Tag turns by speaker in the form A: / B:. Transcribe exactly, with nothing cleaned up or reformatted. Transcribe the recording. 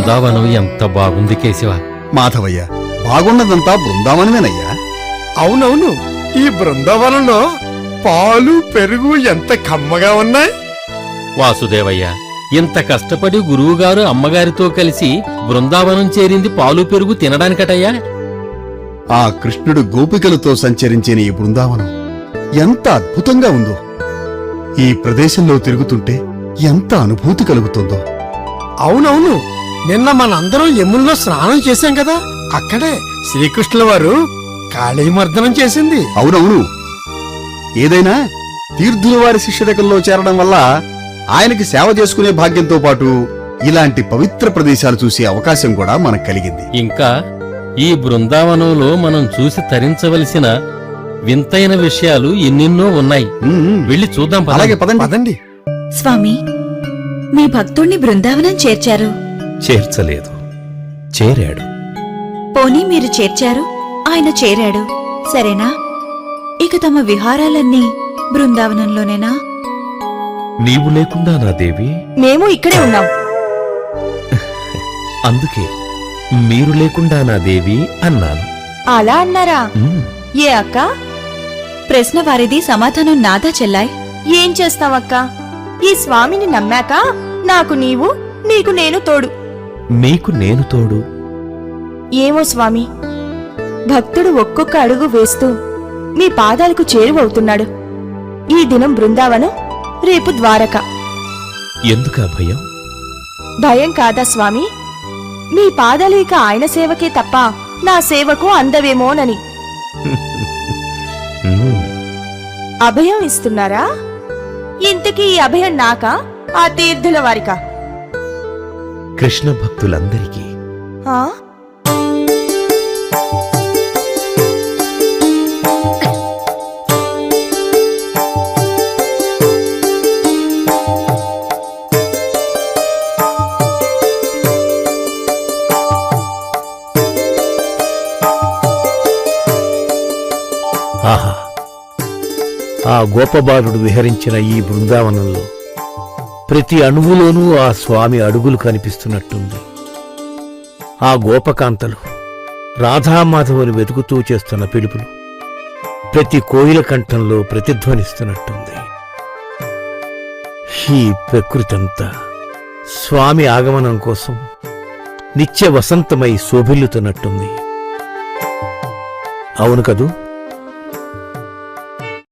A: బృందావనం ఎంత బాగుంది కేశవ.
B: మాధవయ్య, బాగున్నదంతా బృందావనమేనయ్యా.
C: అవునవును, ఈ బృందావనంలో పాలు పెరుగు ఎంత కమ్మగా ఉన్నాయి.
A: వాసుదేవయ్య, ఇంత కష్టపడి గురువుగారు అమ్మగారితో కలిసి బృందావనం చేరింది పాలు పెరుగు తినడానికటయ్యా.
B: ఆ కృష్ణుడు గోపికలతో సంచరించిన ఈ బృందావనం ఎంత అద్భుతంగా ఉందో. ఈ ప్రదేశంలో తిరుగుతుంటే ఎంత అనుభూతి కలుగుతుందో.
C: అవునవును, నిన్న మనందరం యముల్లో స్నానం చేశాం కదా, అక్కడే శ్రీకృష్ణుల వారు కాళీమర్దనం చేసింది.
B: అవునవును, ఏదైనా తీర్థుల వారి శిష్యరకంలో చేరడం వల్ల ఆయనకి సేవ చేసుకునే భాగ్యంతో పాటు ఇలాంటి పవిత్ర ప్రదేశాలు చూసే అవకాశం కూడా మనకు కలిగింది.
A: ఇంకా ఈ బృందావనంలో మనం చూసి తరించవలసిన వింతైన విషయాలు ఎన్నెన్నో ఉన్నాయి.
B: ఉమ్,
A: వెళ్ళి చూద్దాం పదండి.
B: అలాగే పదండి.
C: పదండి.
D: స్వామి, మీ భక్తుణ్ణి బృందావనం చేర్చారు.
E: చేర్చలేదు, చేరాడు.
D: పోనీ మీరు చేర్చారు, ఆయన చేరాడు, సరేనా? ఇక తమ విహారాలన్నీ బృందావనంలోనేనా?
E: నీవు లేకుండా నా దేవి.
D: మేము ఇక్కడే ఉన్నాం.
E: అందుకే మీరు లేకుండా నా దేవి అన్నాను.
D: అలా అన్నారా?
E: ఉమ్,
D: ఏ అక్క? ప్రశ్న వారిది, సమాధానం నాదా చెల్లాయ్.
F: ఏం చేస్తావక్క? ఈ స్వామిని నమ్మాక నాకు నీవు, నీకు నేను తోడు.
E: మీకు నేను తోడు.
F: ఏమో స్వామి, భక్తుడు ఒక్కొక్క అడుగు వేస్తూ మీ పాదాలకు చేరువవుతున్నాడు. ఈ దినం బృందావనం, రేపు ద్వారక.
E: ఎందుకా భయం?
F: భయం కాదా స్వామి, మీ పాదాలు ఇక ఆయన సేవకే తప్ప నా సేవకు అందవేమోనని.
E: ఉమ్,
F: అభయం ఇస్తున్నారా? ఇంతకీ ఈ అభయం నాకా, ఆ తీర్థుల వారికా?
E: కృష్ణ భక్తులందరికీ.
F: ఆ?
G: ఆహా, ఆ గోపబాలుడు విహరించిన ఈ బృందావనంలో ప్రతి అణువులోనూ ఆ స్వామి అడుగులు కనిపిస్తున్నట్టుంది. ఆ గోపకాంతలు రాధామాధవుని వెతుకుతూ చేస్తున్న పిలుపులు ప్రతి కోయిల కంఠంలో ప్రతిధ్వనిస్తున్నట్టుంది. ఈ ప్రకృతంతా స్వామి ఆగమనం కోసం నిత్య వసంతమై శోభిల్లుతున్నట్టుంది. అవును కదూ?